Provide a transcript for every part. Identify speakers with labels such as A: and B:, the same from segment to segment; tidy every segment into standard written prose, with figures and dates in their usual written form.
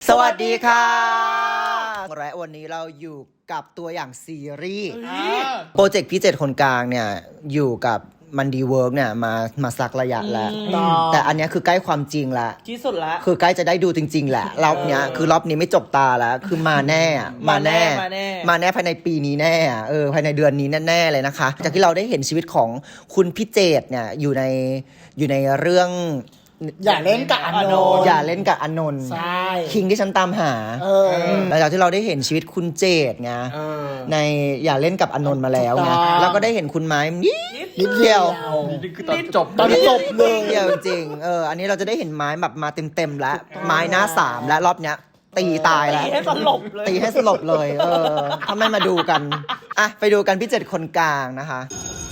A: สวัสดีค่ะและวันนี้เราอยู่กับตัวอย่างซีรีส์โปรเจกต์พี่เจ็ดคนกลางเนี่ยอยู่กับมันดีเวิร์กเนี่ยมาสักระยะแล้วแต่อันนี้คือใกล้ความจริงแล้ว
B: ที่สุดแล้ว
A: คือใกล้จะได้ดูจริงๆแหละรอบเนี้ยคือรอบนี้ไม่จบตาแล้วคือมาแน่มาแน่ภายในปีนี้แน่ภายในเดือนนี้แน่ๆเลยนะคะจากที่เราได้เห็นชีวิตของคุณพี่เจตเนี่ยอยู่ในเรื่อง
C: อย่าเล่นกับอานนท์
A: อย่าเล่นกับอานนท์
C: ใช่
A: คิงที่ฉันตามหาหลังจากที่เราได้เห็นชีวิตคุณเจตไงในอย่าเล่นกับอานนท์มาแล้วไงแล้วก็ได้เห็นคุณไม้นิดเดียว
C: นี่คือตอนจบเลย
A: เดียวจริงอันนี้เราจะได้เห็นไม้แบบมาเต็มแล้วไม้หน้า3และรอบเนี้ยตีตายแล้ว
B: ตีให้สลบ
A: เลยทำไมมาดูกันอ่ะไปดูกันพี่เจ็ดคนกลางนะคะ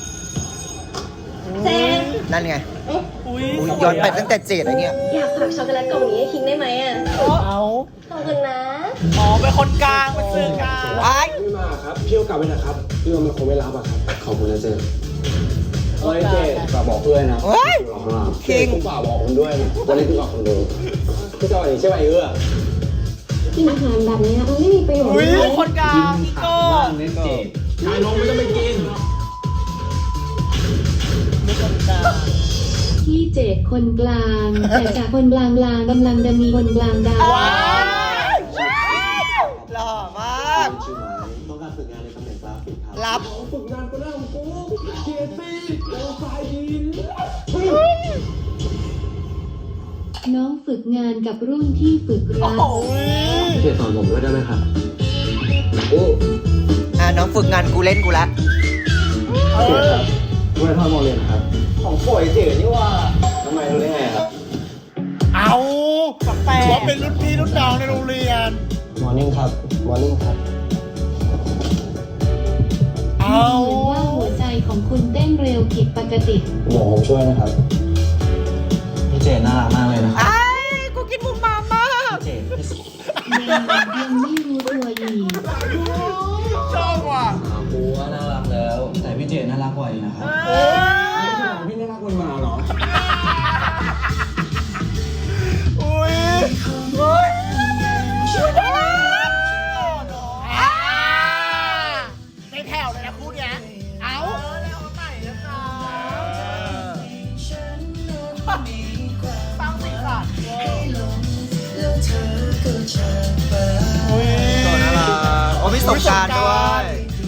A: นั่นไงย้อนไปตั้งแต่เจ็ดอะไรเงี้ย
D: อยากฝากช็อกโกแลตกล่องนี้ให้คิงได้ไหมอ่ะ
C: เอา
D: ขอบคุณนะ
B: เป็นคนกลางเป็นสื่อกลาง
E: ไม่มาครับพี่ก็กลับไปนะครับพี่ว่ามันคงไม่รับอะครับขอบคุณนะเจเฮ้ยเจฝากบอกเพื่อนนะคิงฝากบอกคุณด้วยนะวันนี้พี่ฝากคนดูพี่จอยใช่ไหม
D: กินอาหารแบบนี้มันไม่มีประโยชน์
B: เลยคนกลางพี่โก้
E: ชายน้องไม่ต้องไปกิน
F: พี่เจดคนกลางแต่จากคนกลางกำลังจะมีคนกลางดาว
A: หล่อมาก
E: ชื่อไม้ต้องการฝึกงานในตำแหน่งกราฟิกครับ
A: รับ
E: ฝึกงานก็ได้ของกูเกียรติแล้วไฟยิน
F: น้องฝึกงานกับรุ่นที่ฝึกรัก
E: เจสอนผมด้วยได้ไหมครับ
A: น้องฝึกงานกูเล่นกูละ
E: เจครับด้วยท่อนโมเรียนครับของป่วยเจนี่ว่าทำไมรู้ได้ไงครับ
C: เอาว่าเป็นรุ่นพี่รุ่นน้องในโรงเรียน
E: มอร์นิ่งครับมอร์นิ่งครับ
F: เอาว่าหัวใจของคุณเต้นเร็วผิดปกติ
E: หมอผมช่วยนะครับพี่เจน่ารักมากเลยนะครับ
A: กูกินมุมมามาก
E: เจ
F: ยังไม่รู้ตัวอีก
B: ชอบว่ะ
E: กูว่าน่ารักแล้วแต่พี่เจน่ารักกว่าอีกนะครับพี่น่ารักกว่ามาเหรอ
C: ในแถวเลยนะคู่เนี้ยเอา
B: แล้วใส่แล้วจ้าตั้งสีสัน
A: ก่อนน่ารักโอ้มีสงกรานต์ด้วย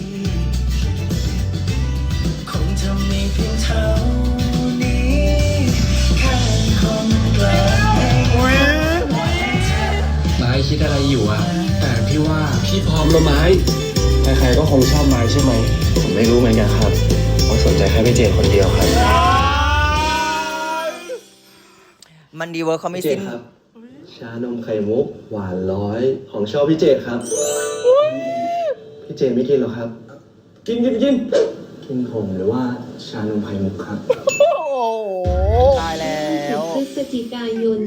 E: ไม้คิดอะไรอยู่อะแต่พี่ว่าพี่พร้อมแล้วไม้ใครๆก็คงชอบไม้ใช่ไหมผมไม่รู้เหมือนกันครับผมสนใจแค่พี่เจคนเดียวครับ
A: มันดีเวิร์คเขาไม่สิ้น
E: ครับชานมไข่มุกหวาน100ของชอบพี่เจครับพี่เจไม่กินหรอครับกินกินผมหรือว่าชานมไข่มุกครับ
A: ตายแล้ว
F: พฤศจิกายน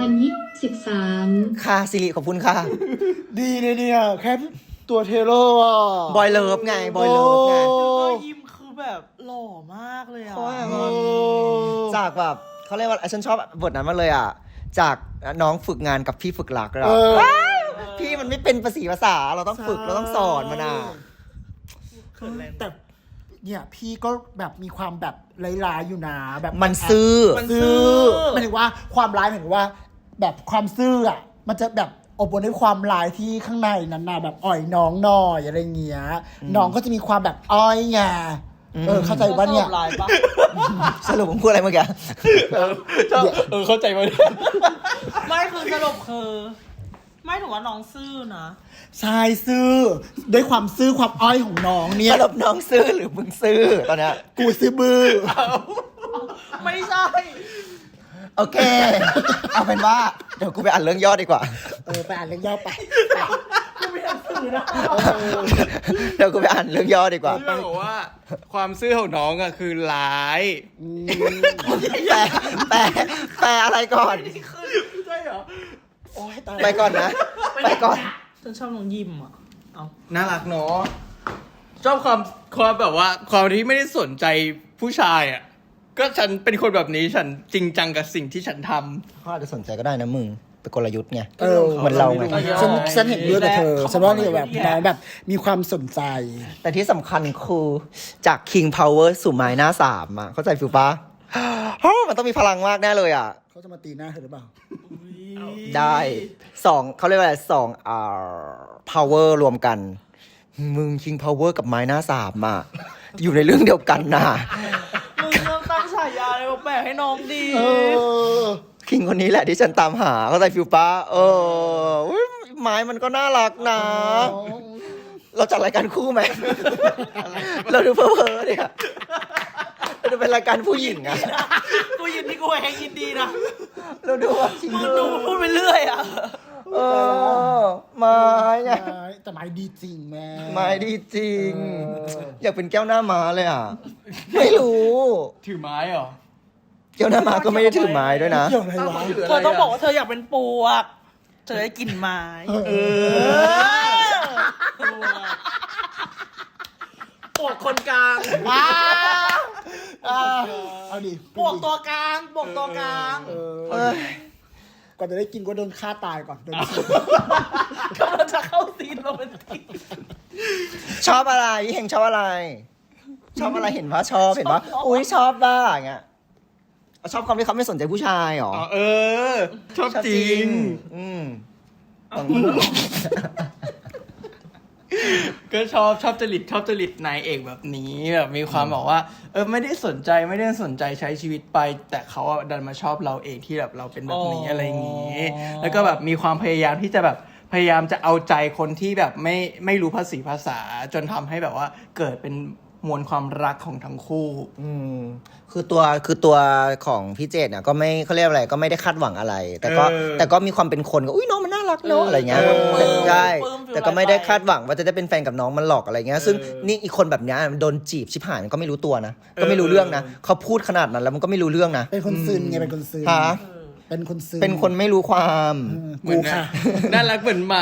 F: 2023
A: ค่ะสิริขอบคุณค่ะ
C: ดีเลยเนี่ยแค่ตัวเทเลอร์อ่ะ
A: บอยเลิฟไงบอยเลิฟไง
B: ยิ้มคือแบบหล่อมากเลยอ่ะ
A: จากแบบเขาเรียกว่าฉันชอบบทนั้นมากเลยอ่ะจากน้องฝึกงานกับพี่ฝึกหลักเราพี่มันไม่เป็นภาษาเราต้องฝึกเราต้องสอนมันอ่ะ
C: แต่เนี่ยพี่ก็แบบมีความแบบร้ายๆอยู่นะแบบ
A: มันซื่อ
C: หมายถึงว่าความร้ายหมายถึงว่าแบบความซื่ออ่ะมันจะแบบอบอวลด้วยความร้ายที่ข้างในนั้นน่ะแบบอ่อยน้องหน่อยอะไรเงี้ยน้องก็จะมีความแบบอ้อยไงเข้าใจว่าเนี่ย
A: สรุปผมพูดอะไรเมื่อกี้
B: เข้าใจไหมไม่คือสรุปคือไม่ถือว่าน้องซื่อนะ
C: ใช่ซื่อด้วยความซื่อความอ้อยของน้องเนี่ย
A: สรุปน้องซื่อหรือมึงซื่อตอนเนี้ย
C: กูซื่อบื้อ
B: ไม่ใช่
A: โอเคเอาเป็นว่าเดี๋ยวกูไปอ่านเรื่องย่อดีกว่า
C: ไปอ่านเรื่องย่อไป
B: กูไม่อ่านสื่อนะ
A: เดี๋ยวกูไปอ่านเรื่องย่อดีกว่า
B: ต้องบอกว่าความซื่อของน้องอะคือร้าย
A: แปลอะไรก่อน
B: ใช่เหรอ
A: ไปก่อนนะไปก่อน
B: ฉันชอบน้องยิมอ่ะ
A: น่ารักเนาะ
B: ชอบความแบบว่าความที่ไม่ได้สนใจผู้ชายอ่ะ ก็ฉันเป็นคนแบบนี้ฉันจริงจังกับสิ่งที่ฉันทำ
A: เขาอาจจะสนใจก็ได้นะมึงเป็นกลยุทธ์ไง
C: เออ
A: เหมือนเราไง
C: ฉันเห็นด้วยกับเธอฉันว่านี่แบบน้องแบบมีความสนใจ
A: แต่ที่สำคัญคือจาก King Power สู่ไม้หน้าสามอ่ะเข้าใจฟิลปะ มันต้องมีพลังมากแน่เลยอ่ะ
C: เขาจะมาตีหน้าเธอหรือเปล่า
A: ได้2เขาเรียกว่าอะไรpower รวมกัน มึง King Power กับไม้หน้าสามอ่ะ อยู่ในเรื่องเดียวกันนะ
B: มึงต้องตั้งฉายาอะไรแปลกๆให้น้องดี
A: คิงคนนี้แหละที่ฉันตามหาเข้าใจฟิลปะอุ๊ยไม้มันก็น่ารักนะ เราจัดรายการคู่ไหม เราดูเพ้อๆเนี่ยเราดูเป็นรายการผู้หญิงอะ
B: กูยินที่กูแหงยินดีนะ
A: เราดูว่าคิง
B: มึงดูพูดไปเรื่อยอ่ะ
A: ไม้ไง
C: แต่ไม้ดีจริงแม่
A: ไม้ดีจริง อยากเป็นแก้วหน้าม้าเลยอ่ะ ไม่รู้
B: ถือไม้เหรอ
A: แก้วหน้าม้าก็ไม่ได้ถือไม้ด้วยนะ
C: เกี่ยวอะไรวะ
B: เธอต้องบอกว่าเธออยากเป็นปวก เธอได้กลิ่นไม้ ปวกคนกลาง
C: เอาดิ
B: ปวกตัวกลางปวกตัวกลาง
C: ก่อนจะได้กินก็โดนฆ่าตายก่อนโดนฉีด
B: กำลังจะเข้าซีนโรแมนติก
A: ชอบอะไรพี่เฮงชอบอะไร ชอบอะไรเห็นว่าชอบเห็นว่าอุ้ยชอบบ้าอย่างเงี้ยชอบความที่เขาไม่สนใจผู้ชายหรอ
B: ชอบจริง
A: อืม
B: ก็ชอบจริตนายเอกแบบนี้แบบมีความบอกว่าไม่ได้สนใจใช้ชีวิตไป แต่เขาอะดันมาชอบเราเองที่แบบเราเป็นแบบนี้อะไรอย่างนี้ แล้วก็แบบมีความพยายามที่จะแบบพยายามจะเอาใจคนที่แบบไม่รู้ภาษาจนทำให้แบบว่าเกิดเป็นมวลความรักของทั้งคู่
A: คือตัวของพี่เจตเนี่ยก็ไม่เขาเรียกอะไรก็ไม่ได้คาดหวังอะไร แต่ก็มีความเป็นคนก็อุ้ยน้องมันน่ารักเนาะอะไรเงี้ยใช่แต่ก็ไม่ได้คาดหวังว่าจะได้เป็นแฟนกับน้องมันหรอกอะไรเงี้ยซึ่งนี่อีกคนแบบเนี้ยโดนจีบชิบหายมันก็ไม่รู้ตัวนะก็ไม่รู้เรื่องนะเขาพูดขนาดนั้นแล้วมันก็ไม่รู้เรื่องนะ
C: เป็นคนซึนไงเป็นคนซึน
A: ฮะ
C: เป็นคนซึน
A: เป็นคนไม่รู้ความ
C: กูค่ะ
B: น่ารักเหมือนหมา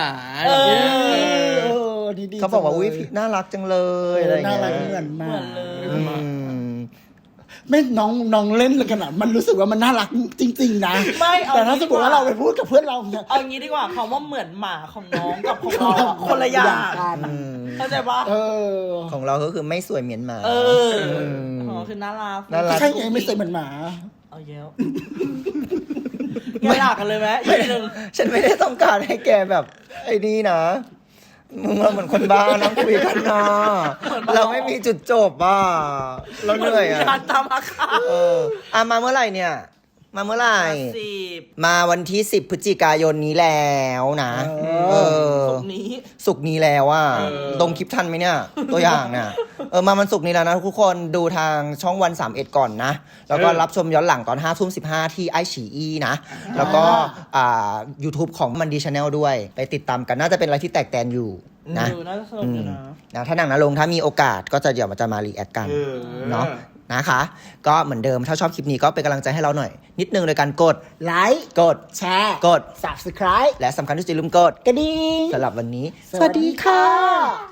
C: ดีๆ
A: เขาบอกว่าอุ้ย
C: จังเลย
A: น่ารักจังเลยอะไร
C: น่า
A: เงี้ย
C: รักเหมือนมาก
A: อืม
C: ไม่น้องเล่นเลยขนาดมันรู้สึกว่ามันน่ารักจริง ๆ นะ
B: ไม่เอา
C: แต่ถ้าสมมติว่าเราไปพูดกับเพื่อนเราเนี่ย
B: เอางี้ดีกว่าคำว่าเหมือนหมาของน้องกับของเราอะคนละอย่าง
C: กัน
B: เข้าใจปะ
A: ของเราก็คือไม่สวยเหมือนหมา
B: อ๋อคือน่ารัก
A: น่ารัก
C: ใช่ไงไม่ใช่เหมือนหมา
B: เอาเยอะแกหลักกันเลยไหมอีกทีหนึ่ง
A: ฉันไม่ได้ต้องการให้แกแบบไอ้นี่นะ มึงเราเหมือนคนบ้านั่งคุยกันนะเราไม่มีจุดจบอ่ะเราเหนื่อยอ่ะ
B: การตามอาคา
A: มาเมื่อไหร่เนี่ย มาเมื่อไหร่
B: 10
A: มาวันที่10พฤศจิกายนนี้แล้วนะ
B: ตรงนี้
A: ศุกร์นี้แล้วอ่ะตรงคลิปทันไหมเนี่ย ตัวอย่างเนี่ยมาวันศุกร์นี้แล้วนะทุกคนดูทางช่องวัน31ก่อนนะ แล้วก็รับชมย้อนหลังตอน5:15ที่ไอฉีอีนะ แล้วก็YouTube ของมันดีชาแนลด้วย ไปติดตามกันน่าจะเป็นอะไรที่แตกแตนอยู่นะ
B: น่าจะสนุกอยู่นะ
A: นะถ้าหนังนะลงถ้ามีโอกาสก็จะเดี๋ยวมันจะมารีแอคกันเนาะนะคะ ก็เหมือนเดิมถ้าชอบคลิปนี้ก็เป็นกำลังใจให้เราหน่อย นิดนึงโดยการกด
C: ไลค์
A: กด
C: แชร์
A: กด
C: subscribe
A: และสำคัญที่สุดอย่าลืมกด
C: กระดิ่ง
A: สำหรับวันนี้
C: สวัสดีค่ะ